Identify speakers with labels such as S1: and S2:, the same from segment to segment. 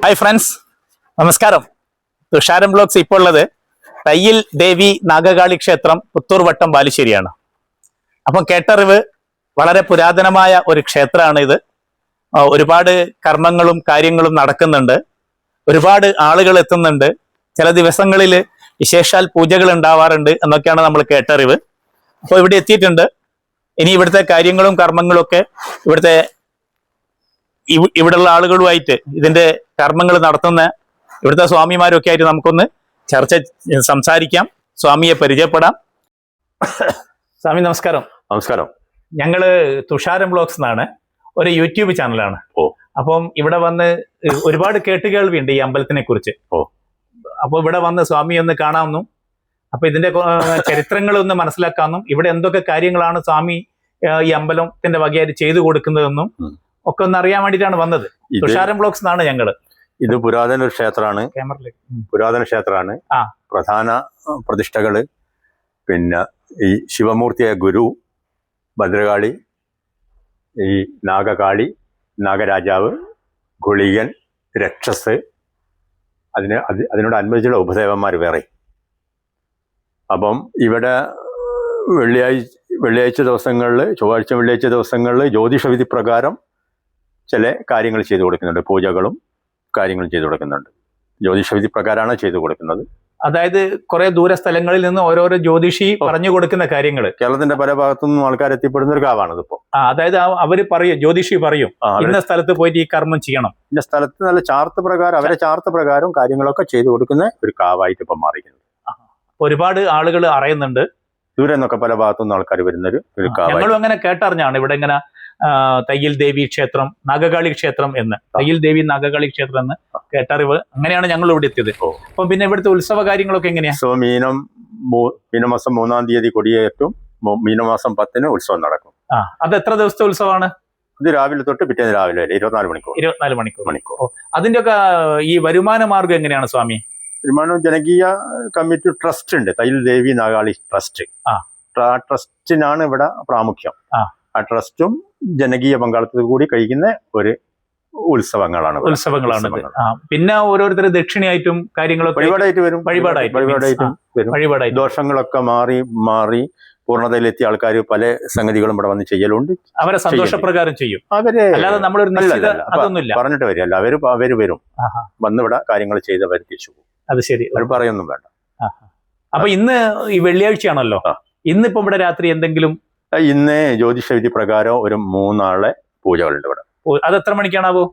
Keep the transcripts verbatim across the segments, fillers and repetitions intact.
S1: Hi friends, നമസ്കാരം. തുഷാരം blogs ഇപ്പോൾ ഉള്ളത് തയ്യിൽ ദേവി നാഗകാളി ക്ഷേത്രം പുത്തൂർ വട്ടം ബാലുശ്ശേരിയാണ്. അപ്പം കേട്ടറിവ് വളരെ പുരാതനമായ ഒരു ക്ഷേത്രമാണ് ഇത്. ഒരുപാട് കർമ്മങ്ങളും കാര്യങ്ങളും നടക്കുന്നുണ്ട്, ഒരുപാട് ആളുകൾ എത്തുന്നുണ്ട്, ചില ദിവസങ്ങളിൽ വിശേഷാൽ പൂജകൾ ഉണ്ടാവാറുണ്ട് എന്നൊക്കെയാണ് നമ്മൾ കേട്ടറിവ്. അപ്പോൾ ഇവിടെ എത്തിയിട്ടുണ്ട്. ഇനി ഇവിടുത്തെ കാര്യങ്ങളും കർമ്മങ്ങളും ഒക്കെ ഇവിടുത്തെ ഇവിടെയുള്ള ആളുകളുമായിട്ട് ഇതിന്റെ കർമ്മങ്ങൾ നടത്തുന്ന ഇവിടുത്തെ സ്വാമിമാരൊക്കെ ആയിട്ട് നമുക്കൊന്ന് ചർച്ച സംസാരിക്കാം, സ്വാമിയെ പരിചയപ്പെടാം. സ്വാമി നമസ്കാരം.
S2: നമസ്കാരം.
S1: ഞങ്ങള് തുഷാരം ബ്ലോഗ്സ് എന്നാണ്, ഒരു യൂട്യൂബ് ചാനലാണ്.
S2: ഓ
S1: അപ്പം ഇവിടെ വന്ന് ഒരുപാട് കേട്ടുകേൾവിയുണ്ട് ഈ അമ്പലത്തിനെ കുറിച്ച്.
S2: ഓ
S1: അപ്പൊ ഇവിടെ വന്ന് സ്വാമി ഒന്ന് കാണാമെന്നും അപ്പൊ ഇതിന്റെ ചരിത്രങ്ങളൊന്ന് മനസ്സിലാക്കാമെന്നും ഇവിടെ എന്തൊക്കെ കാര്യങ്ങളാണ് സ്വാമി ഈ അമ്പലത്തിന്റെ വകയായിട്ട് ചെയ്തു കൊടുക്കുന്നതെന്നും ഒക്കെ ഒന്ന് അറിയാൻ വേണ്ടിയിട്ടാണ് വന്നത്. തുഷാരം ബ്ലോഗ്സ് എന്നാണ് ഞങ്ങള്.
S2: ഇത് പുരാതന ഒരു ക്ഷേത്രമാണ്. പുരാതന ക്ഷേത്രമാണ്. പ്രധാന പ്രതിഷ്ഠകള് പിന്നെ ഈ ശിവമൂർത്തിയായ ഗുരു, ഭദ്രകാളി, ഈ നാഗകാളി, നാഗരാജാവ്, ഗുളികൻ, രക്ഷസ്, അതിന് അത് അതിനോട് അനുബന്ധിച്ചുള്ള ഉപദേവന്മാർ വേറെ. അപ്പം ഇവിടെ വെള്ളിയാഴ്ച വെള്ളിയാഴ്ച ദിവസങ്ങളിൽ, ചൊവ്വാഴ്ച വെള്ളിയാഴ്ച ദിവസങ്ങളിൽ ജ്യോതിഷവിധി പ്രകാരം ചില കാര്യങ്ങൾ ചെയ്തു കൊടുക്കുന്നുണ്ട്. പൂജകളും കാര്യങ്ങളും ചെയ്തു കൊടുക്കുന്നുണ്ട്. ജ്യോതിഷവിധി പ്രകാരമാണ് ചെയ്തു കൊടുക്കുന്നത്.
S1: അതായത് കുറെ ദൂര സ്ഥലങ്ങളിൽ നിന്ന് ഓരോരോ ജ്യോതിഷി പറഞ്ഞു കൊടുക്കുന്ന കാര്യങ്ങൾ
S2: കേരളത്തിന്റെ പല ഭാഗത്തു നിന്നും ആൾക്കാർ എത്തിപ്പെടുന്ന ഒരു കാവാണ് ഇതിപ്പോ.
S1: അതായത് അവര് പറയും, ജ്യോതിഷി പറയും ഇന്ന സ്ഥലത്ത് പോയിട്ട് ഈ കർമ്മം ചെയ്യണം,
S2: ഇന്ന സ്ഥലത്ത് നല്ല ചാർത്ത് പ്രകാരം അവരെ ചാർത്ത് പ്രകാരം കാര്യങ്ങളൊക്കെ ചെയ്തു കൊടുക്കുന്ന ഒരു കാവായിട്ട് ഇപ്പം മാറിയിരിക്കുന്നത്.
S1: ഒരുപാട് ആളുകൾ അറിയുന്നുണ്ട്.
S2: ദൂരെ നിന്നൊക്കെ പല ഭാഗത്തുനിന്ന് ആൾക്കാർ വരുന്നൊരു ഒരു കാവ്.
S1: ഞങ്ങളും അങ്ങനെ കേട്ടറിഞ്ഞാണ് ഇവിടെ ഇങ്ങനെ തയ്യിൽ ദേവി ക്ഷേത്രം, നാഗകാളി ക്ഷേത്രം എന്ന്, തയ്യിൽ ദേവി നാഗകാളി ക്ഷേത്രം എന്ന് കേട്ടറിവ്. അങ്ങനെയാണ് ഞങ്ങൾ ഇവിടെ എത്തിയത്. അപ്പൊ പിന്നെ ഇവിടുത്തെ ഉത്സവ കാര്യങ്ങളൊക്കെ എങ്ങനെയാ?
S2: സോ മീനം മീനമാസം മൂന്നാം തീയതി കൊടിയേറ്റും, മീനമാസം പത്തിന് ഉത്സവം നടക്കും.
S1: ആ അത് എത്ര ദിവസത്തെ ഉത്സവമാണ്?
S2: ഇത് രാവിലെ തൊട്ട് പിറ്റേന്ന് രാവിലെ വരെ ഇരുപത്തിനാല് മണിക്കൂർ.
S1: ഇരുപത്തിനാല് മണിക്കൂർ മണിക്കൂർ അതിന്റെ ഒക്കെ ഈ വരുമാന മാർഗം എങ്ങനെയാണ് സ്വാമി?
S2: വരുമാനം ജനകീയ കമ്മിറ്റി ട്രസ്റ്റ് ഉണ്ട്, തയ്യിൽ ദേവി നാഗാളി ട്രസ്റ്റ്. ആ ട്രസ്റ്റിനാണ് ഇവിടെ പ്രാമുഖ്യം. ആ ട്രസ്റ്റും ജനകീയ പങ്കാളിത്തത്തിൽ കൂടി കഴിക്കുന്ന ഒരു ഉത്സവങ്ങളാണ്
S1: ഉത്സവങ്ങളാണ് പിന്നെ ഓരോരുത്തർ ദക്ഷിണയായിട്ടും കാര്യങ്ങളൊക്കെ
S2: വഴിപാടായിട്ട് വരും.
S1: വഴിപാടായിട്ട്
S2: വഴിപാടായിട്ടും വരും.
S1: വഴിപാടായിട്ട്
S2: ദോഷങ്ങളൊക്കെ മാറി മാറി പൂർണ്ണതയിലെത്തിയ ആൾക്കാർ പല സംഗതികളും ഇവിടെ വന്ന് ചെയ്യലുണ്ട്.
S1: അവരെ സന്തോഷപ്രകാരം ചെയ്യും.
S2: അവര്
S1: അല്ലാതെ നമ്മളൊരു അതൊന്നുമില്ല
S2: പറഞ്ഞിട്ട് വരില്ല. അവര് അവര് വരും, വന്നിവിടെ കാര്യങ്ങൾ ചെയ്ത് അവർ തിരിച്ചു പോകും.
S1: അത് ശരി,
S2: അവർ പറയൊന്നും വേണ്ട.
S1: അപ്പൊ ഇന്ന് ഈ വെള്ളിയാഴ്ചയാണല്ലോ, ഇന്നിപ്പോ ഇവിടെ രാത്രി എന്തെങ്കിലും?
S2: ഇന്ന് ജ്യോതിഷവിധി പ്രകാരം ഒരു മൂന്നാളെ പൂജകളുണ്ട് ഇവിടെ.
S1: അത് എത്ര മണിക്കാണാവോ?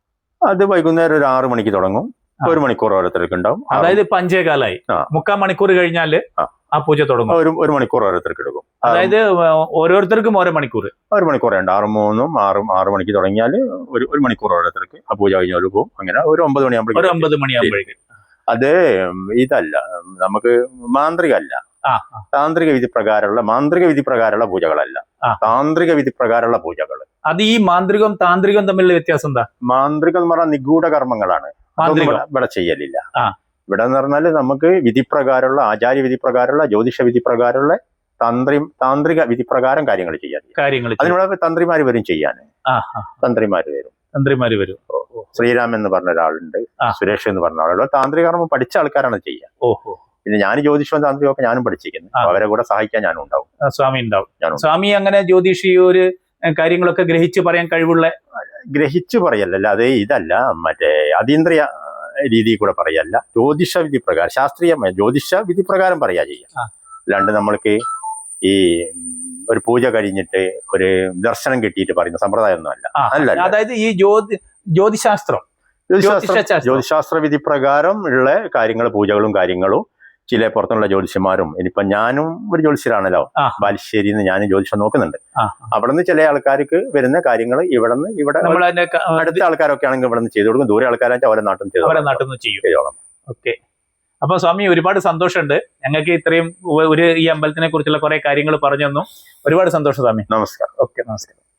S2: അത് വൈകുന്നേരം ഒരു ആറു മണിക്ക് തുടങ്ങും. ഒരു മണിക്കൂർ ഓരോരുത്തർക്ക് ഉണ്ടാവും.
S1: അതായത് ഇപ്പൊ അഞ്ചേകാലായി, മുക്കാൽ മണിക്കൂർ കഴിഞ്ഞാല് ആ പൂജ തുടങ്ങും.
S2: ഒരു ഒരു മണിക്കൂർ ഓരോരുത്തർക്ക് എടുക്കും.
S1: അതായത് ഓരോരുത്തർക്കും ഓരോ മണിക്കൂർ
S2: ഒരു മണിക്കൂർ ഉണ്ട്. ആറും മൂന്നും ആറും ആറു മണിക്ക് തുടങ്ങിയാൽ ഒരു ഒരു മണിക്കൂർ ഓരോരുത്തർക്ക് ആ പൂജ കഴിഞ്ഞാൽ പോകും. അങ്ങനെ ഒരു ഒമ്പത് മണിയാകുമ്പോഴേക്കും
S1: ഒരു ഒമ്പത് മണിയാകുമ്പോഴേക്കും
S2: അത് ഇതല്ല, നമുക്ക് മാന്ത്രികല്ല, താന്ത്രിക വിധി പ്രകാരമുള്ള മാന്ത്രിക വിധി പ്രകാരമുള്ള പൂജകളല്ല, താന്ത്രിക വിധി പ്രകാരമുള്ള പൂജകൾ.
S1: അത് ഈ മാന്ത്രികവും താന്ത്രികവും തമ്മിലുള്ള വ്യത്യാസം എന്താ?
S2: മാന്ത്രികം എന്ന് പറഞ്ഞാൽ നിഗൂഢ കർമ്മങ്ങളാണ്, ഇവിടെ ചെയ്യലില്ല. ഇവിടെ എന്ന് പറഞ്ഞാൽ നമുക്ക് വിധിപ്രകാരമുള്ള, ആചാര്യ വിധി പ്രകാരമുള്ള, ജ്യോതിഷ വിധി പ്രകാരമുള്ള തന്ത്രി താന്ത്രിക വിധി പ്രകാരം കാര്യങ്ങൾ ചെയ്യാൻ കാര്യങ്ങൾ അതിനുള്ള തന്ത്രിമാര് വരും ചെയ്യാൻ. തന്ത്രിമാര് വരും തന്ത്രിമാര് വരും ശ്രീരാമൻ എന്ന് പറഞ്ഞ ഒരാളുണ്ട്, സുരേഷ് എന്ന് പറഞ്ഞ ആളുകൾ താന്ത്രിക കർമ്മം പഠിച്ച ആൾക്കാരാണ് ചെയ്യുക. ഓഹോ. പിന്നെ ഞാൻ ജ്യോതിഷവും താന്ത്രികവും ഒക്കെ ഞാനും പഠിച്ചിരിക്കുന്നു. അവരെ കൂടെ സഹായിക്കാൻ ഞാനും ഉണ്ടാവും. സ്വാമി ഉണ്ടാവും.
S1: സ്വാമി അങ്ങനെ ജ്യോതിഷി ഒരു കാര്യങ്ങളൊക്കെ ഗ്രഹിച്ച് പറയാൻ കഴിവുള്ള?
S2: ഗ്രഹിച്ചു പറയല്ല, അത് ഇതല്ല, മറ്റേ അതീന്ദ്രിയ രീതിയിൽ കൂടെ പറയല്ല, ജ്യോതിഷ വിധി പ്രകാരം, ശാസ്ത്രീയമായ ജ്യോതിഷ വിധി പ്രകാരം പറയാ ചെയ്യാം. അല്ലാണ്ട് നമ്മൾക്ക് ഈ ഒരു പൂജ കഴിഞ്ഞിട്ട് ഒരു ദർശനം കിട്ടിയിട്ട് പറയുന്ന സമ്പ്രദായം ഒന്നും അല്ല. അല്ല,
S1: അതായത് ഈ ജ്യോതി ജ്യോതിശാസ്ത്രം
S2: ജ്യോതിശാസ്ത്ര വിധി പ്രകാരം ഉള്ള കാര്യങ്ങൾ, പൂജകളും കാര്യങ്ങളും ചില പുറത്തുള്ള ജ്യോതിഷന്മാരും, ഇനിയിപ്പൊ ഞാനും ഒരു ജ്യോതിഷരാണല്ലോ, ബാലുശ്ശേരിയിൽ നിന്ന് ഞാനും ജ്യോതിഷം നോക്കുന്നുണ്ട്. അവിടെ നിന്ന് ചില ആൾക്കാർക്ക് വരുന്ന കാര്യങ്ങൾ ഇവിടെ നിന്ന് ഇവിടെ അടുത്ത ആൾക്കാരൊക്കെ ആണെങ്കിൽ ഇവിടെ നിന്ന് ചെയ്തു കൊടുക്കും. ദൂരെ ആൾക്കാരായിട്ട് അവരെ നാട്ടിൽ നിന്ന്
S1: അവരെ നാട്ടിൽ നിന്ന് ചെയ്യും. ഓക്കെ. അപ്പൊ സ്വാമി ഒരുപാട് സന്തോഷമുണ്ട്, ഞങ്ങൾക്ക് ഇത്രയും ഒരു ഈ അമ്പലത്തിനെ കുറിച്ചുള്ള കുറെ കാര്യങ്ങൾ പറഞ്ഞു തന്നു. ഒരുപാട് സന്തോഷം സ്വാമി.
S2: നമസ്കാരം.
S1: ഓക്കെ, നമസ്കാരം.